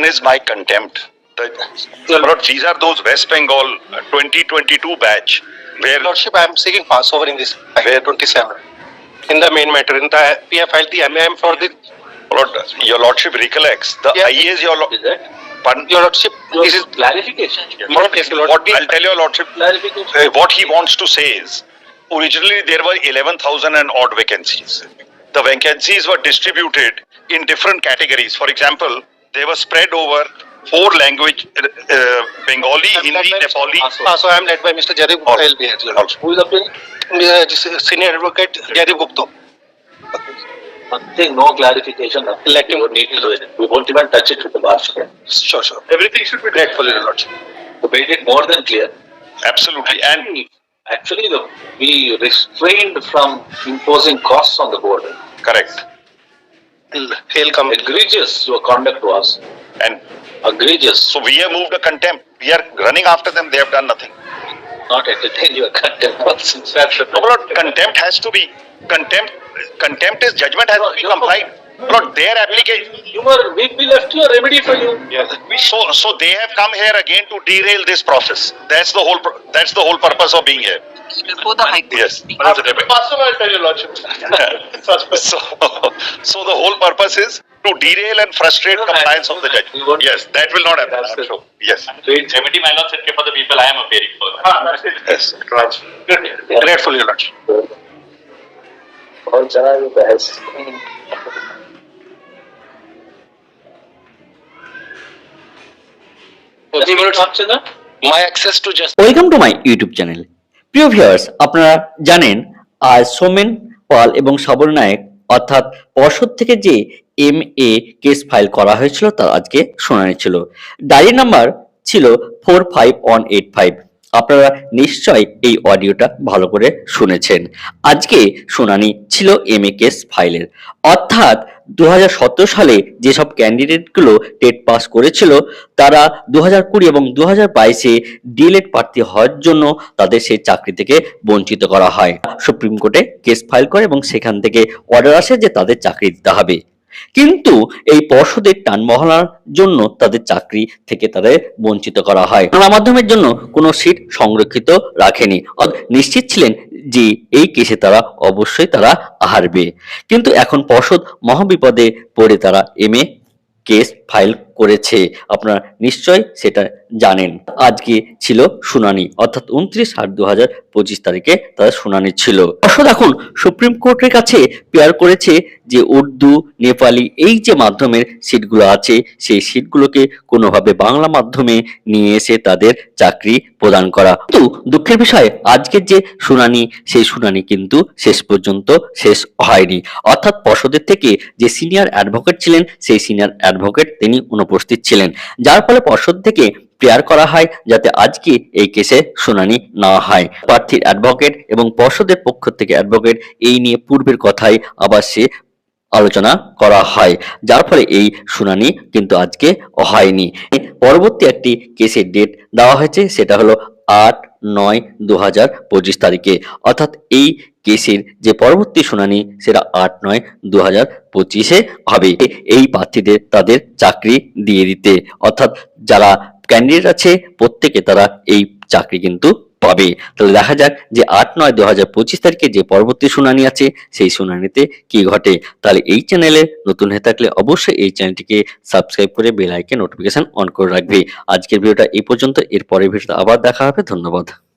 is my contempt. These are those West Bengal 2022 batch where Lordship, I am seeking passover in this 27. In the main matter, in the we have filed the MAM for the. Your Lordship recollects the IAS. Your Lordship, This is clarification. What I'll tell your Lordship, Clarification. what he wants to say is, originally there were 11,000 and odd vacancies. The vacancies were distributed in different categories. For example, they were spread over 4 language, Bengali, Hindi, Nepali. So I am led by Mr. Jadip Gupta LB. Also. Who is appealing? Senior Advocate Jadip Gupta. Nothing, no clarification. Let him need to do it. We won't even touch it with the bar. Sure. Everything should be Grateful, Your Lordship. We made it more than clear. Absolutely. And Actually, we restrained from imposing costs on the board. correct. Hail come. Egregious your conduct was. And Egregious. so we have moved a contempt. We are running after them. They have done nothing. Not entertain your contempt. No, Lord, contempt has to be contempt is judgment has to be complied. Lord, their application. We left you a remedy for you. So they have come here again to derail this process. That's the whole purpose of being here. Before the High Court. Yes. Passover, I tell Your Lordship. So the whole purpose is to derail and frustrate compliance of the judge. Yes, that will not happen. I'm sure. Yes. Remedy, my lord, said for the people I am appearing for. Yes. Grateful, Your Lordship. और चला जो बहस My access to justice. Welcome to my YouTube channel. প্রিয় viewers, আপনারা জানেন আজ সোমেন পাল এবং শ্রাবণ নায়ক অর্থাৎ পর্ষদ থেকে যে MA কেস ফাইল করা হয়েছিল তার আজকে শুনানি ছিল। ডায়েরি নাম্বার ছিল 45185। আপনারা নিশ্চয় এই অডিওটা ভালো করে শুনেছেন। আজকে শুনানি ছিল MA কেস ফাইলের, অর্থাৎ 2017 সালে যেসব ক্যান্ডিডেটগুলো টেট পাস করেছিল তারা 2020 এবং 2022-এ ডিএলএড প্রার্থী হওয়ার জন্য তাদের সেই চাকরি থেকে বঞ্চিত করা হয়। সুপ্রিম কোর্টে কেস ফাইল করে এবং সেখান থেকে অর্ডার আসে যে তাদের চাকরি দিতে হবে, কিন্তু এই পর্ষদের টানমহলার জন্য তাদের চাকরি থেকে তাদের বঞ্চিত করা হয়। বাংলা মাধ্যমের জন্য কোনো সিট সংরক্ষিত রাখেনি, নিশ্চিত ছিলেন যে এই কেসে তারা অবশ্যই তারা হারবে, কিন্তু এখন পর্ষদ মহাবিপদে পড়ে তারা MA কেস ফাইল করেছে। আপনারা নিশ্চয় সেটা জানেন। আজকে ছিল শুনানি, অর্থাৎ 29/8/2025 তারিখে তাদের শুনানি ছিল। পর্ষদ এখন সুপ্রিম কোর্টের কাছে প্রেয়ার করেছে যে উর্দু, নেপালি এই যে মাধ্যমের সিটগুলো আছে সেই সিটগুলোকে কোনোভাবে বাংলা মাধ্যমে নিয়ে এসে তাদের চাকরি প্রদান করা। কিন্তু দুঃখের বিষয় আজকের যে শুনানি সেই শুনানি কিন্তু শেষ পর্যন্ত শেষ হয়নি, অর্থাৎ পর্ষদের থেকে যে সিনিয়র অ্যাডভোকেট ছিলেন সেই সিনিয়র অ্যাডভোকেট তিনি অনুপস্থিত ছিলেন, যার ফলে পর্ষদ থেকে প্রেয়ার করা হয় যাতে আজকে এই কেসে শুনানি না হয়। প্রার্থীর অ্যাডভোকেট এবং পর্ষদের পক্ষ থেকে অ্যাডভোকেট এই নিয়ে পূর্বের কথাই আবার সে আলোচনা করা হয়, যার ফলে এই শুনানি কিন্তু আজকে হয়নি। পরবর্তী একটি কেসের ডেট দেওয়া হয়েছে, সেটা হলো 8/9/2025 তারিখে, অর্থাৎ এই কেসের যে পরবর্তী শুনানি সেটা 8/9/2025-এ হবে এই প্রার্থীদের তাদের চাকরি দিয়ে দিতে, অর্থাৎ যারা ক্যান্ডিডেট আছে প্রত্যেকে তারা এই চাকরি কিন্তু পাবে। তাহলে দেখা যাক যে 8/9/2025 তারিখে যে পরবর্তী শুনানি আছে সেই শুনানিতে কি ঘটে। তাহলে এই চ্যানেলে নতুন হয়ে থাকলে অবশ্যই এই চ্যানেলটিকে সাবস্ক্রাইব করে বেল আইকন নোটিফিকেশন অন করে রাখবে। আজকের ভিডিওটা এই পর্যন্ত, এর পরের ভিডিওতে আবার দেখা হবে। ধন্যবাদ।